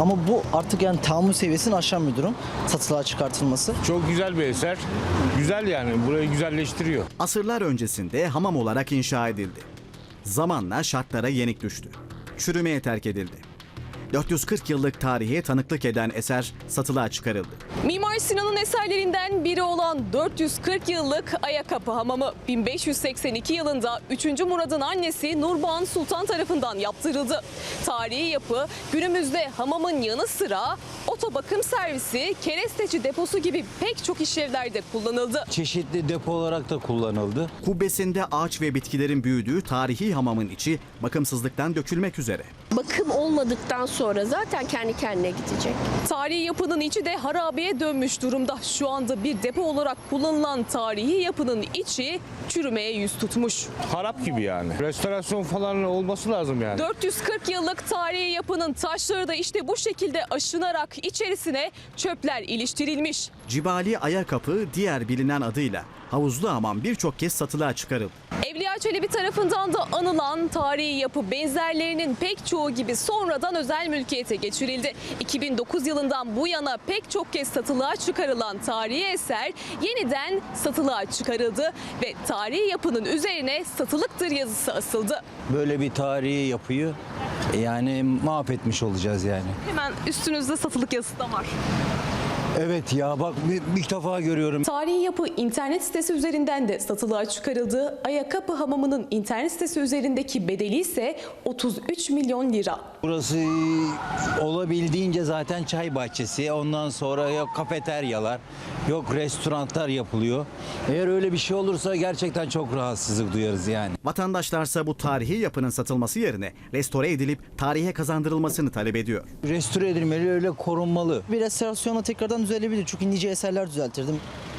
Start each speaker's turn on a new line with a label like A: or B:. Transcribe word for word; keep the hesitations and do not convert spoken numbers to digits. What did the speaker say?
A: Ama bu artık yani tahammül seviyesini aşan bir durum. Satılığa çıkartılması.
B: Çok güzel bir eser. Güzel yani. Burayı güzelleştiriyor.
C: Asırlar öncesinde hamam olarak inşa edildi. Zamanla şartlara yenik düştü. Çürümeye terk edildi. dört yüz kırk yıllık tarihe tanıklık eden eser satılığa çıkarıldı.
D: Mimar Sinan'ın eserlerinden biri olan dört yüz kırk yıllık Ayakapı Hamamı bin beş yüz seksen iki yılında üçüncü Murad'ın annesi Nurbağan Sultan tarafından yaptırıldı. Tarihi yapı günümüzde hamamın yanı sıra otobakım servisi, keresteci deposu gibi pek çok işlevlerde kullanıldı.
E: Çeşitli depo olarak da kullanıldı.
C: Kubbesinde ağaç ve bitkilerin büyüdüğü tarihi hamamın içi bakımsızlıktan dökülmek üzere.
F: Bakım olmadıktan sonra zaten kendi kendine gidecek.
D: Tarihi yapının içi de harabeye dönmüş durumda. Şu anda bir depo olarak kullanılan tarihi yapının içi çürümeye yüz tutmuş.
B: Harap gibi yani. Restorasyon falan olması lazım yani.
D: dört yüz kırk yıllık tarihi yapının taşları da işte bu şekilde aşınarak içerisine çöpler iliştirilmiş.
C: Cibali Ayakapı diğer bilinen adıyla havuzlu hamam birçok kez satılığa çıkarıldı.
D: Evliya Çelebi tarafından da anılan tarihi yapı benzerlerinin pek çoğu gibi sonradan özel mülkiyete geçirildi. iki bin dokuz yılından bu yana pek çok kez satılığa çıkarılan tarihi eser yeniden satılığa çıkarıldı ve tarihi yapının üzerine satılıktır yazısı asıldı.
E: Böyle bir tarihi yapıyı yani mahvetmiş olacağız yani.
D: Hemen üstünüzde satılık yazısı da var.
E: Evet ya bak bir, bir defa görüyorum.
D: Tarihi yapı internet sitesi üzerinden de satılığa çıkarıldı. Ayakapı Hamamı'nın internet sitesi üzerindeki bedeli ise otuz üç milyon lira.
E: Burası olabildiğince zaten çay bahçesi. Ondan sonra yok kafeteryalar, yok restoranlar yapılıyor. Eğer öyle bir şey olursa gerçekten çok rahatsızlık duyarız yani.
C: Vatandaşlarsa bu tarihi yapının satılması yerine restore edilip tarihe kazandırılmasını talep ediyor.
E: Restore edilmeli, öyle korunmalı.
A: Bir restorasyonla tekrardan düzelebilir. Çünkü nice eserler düzeltirdim.